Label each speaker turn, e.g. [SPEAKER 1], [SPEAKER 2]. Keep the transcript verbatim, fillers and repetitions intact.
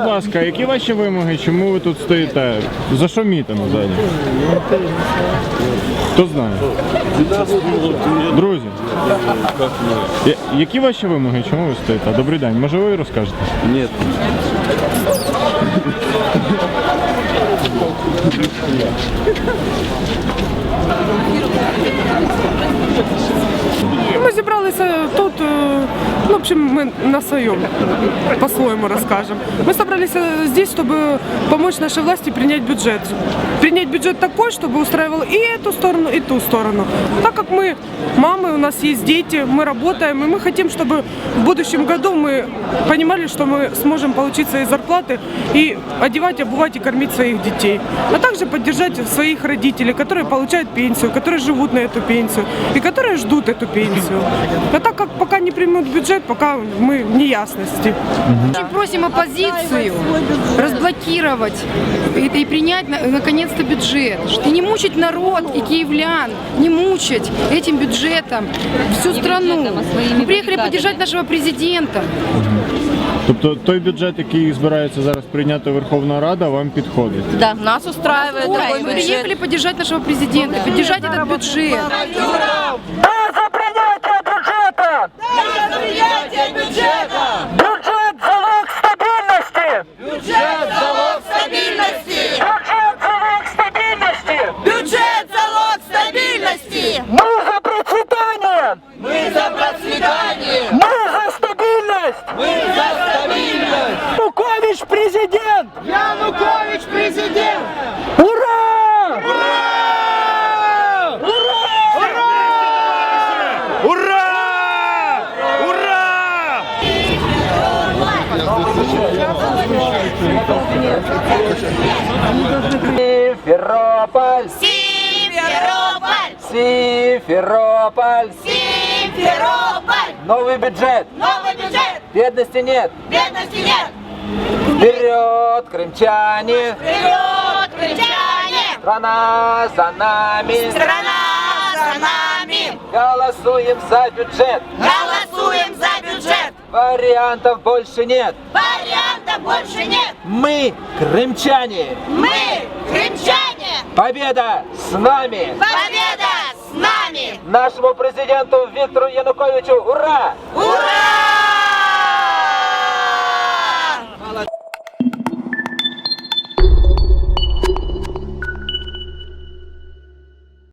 [SPEAKER 1] ласка, які ваші вимоги, чому ви тут стоїте? За що мітинг взагалі? Хто знає? Друзі, я- які ваші вимоги, чому ви стоїте? Добрий день, може ви розкажете?
[SPEAKER 2] Ні.
[SPEAKER 3] Ми зібралися тут, ну, в общем, мы на своем, по-своему расскажем. Мы собрались здесь, чтобы помочь нашей власти принять бюджет. Принять бюджет такой, чтобы устраивал и эту сторону, и ту сторону. Так как мы мамы, у нас есть дети, мы работаем, и мы хотим, чтобы в будущем году мы понимали, что мы сможем получить свои зарплаты и одевать, обувать и кормить своих детей. А также поддержать своих родителей, которые получают пенсию, которые живут на эту пенсию и которые ждут эту пенсию. А так как пока не примут бюджет, пока мы в неясности.
[SPEAKER 4] Очень просим оппозицию разблокировать и, и принять на- наконец-то бюджет. И не мучить народ и киевлян, не мучить этим бюджетом всю страну. Мы приехали поддержать нашего президента.
[SPEAKER 1] Тобто той бюджет, який збирається зараз прийняти Верховна Рада, вам підходить?
[SPEAKER 5] Да, нас устраивает
[SPEAKER 4] Ой,
[SPEAKER 5] такой
[SPEAKER 4] мы
[SPEAKER 5] бюджет.
[SPEAKER 4] приехали поддержать нашего президента, поддержать этот бюджет.
[SPEAKER 6] Бюджет – залог стабильности!
[SPEAKER 7] Бюджет – залог стабильности!
[SPEAKER 6] Бюджет – залог стабильности!
[SPEAKER 7] Бюджет – залог стабильности!
[SPEAKER 6] Мы за процветание!
[SPEAKER 7] Мы за процветание!
[SPEAKER 6] Мы за стабильность!
[SPEAKER 7] Мы за стабильность!
[SPEAKER 6] Янукович президент!
[SPEAKER 7] Янукович президент!
[SPEAKER 6] Ура!
[SPEAKER 7] Ура!
[SPEAKER 6] Ура! Ура! Симферополь!
[SPEAKER 7] Симферополь!
[SPEAKER 6] Симферополь!
[SPEAKER 7] Симферополь!
[SPEAKER 6] Новый бюджет!
[SPEAKER 7] Новый бюджет!
[SPEAKER 6] Бедности нет!
[SPEAKER 7] Бедности нет!
[SPEAKER 6] Вперед, крымчане!
[SPEAKER 7] Вперед, крымчане!
[SPEAKER 6] Страна за нами!
[SPEAKER 7] Страна за нами!
[SPEAKER 6] Голосуем за бюджет!
[SPEAKER 7] Голосуем за бюджет!
[SPEAKER 6] Вариантов больше нет!
[SPEAKER 7] Вариантов больше нет!
[SPEAKER 6] Мы крымчане!
[SPEAKER 7] Мы крымчане!
[SPEAKER 6] Победа с нами!
[SPEAKER 7] Победа с нами!
[SPEAKER 6] Нашему президенту Виктору Януковичу ура!
[SPEAKER 7] Ура!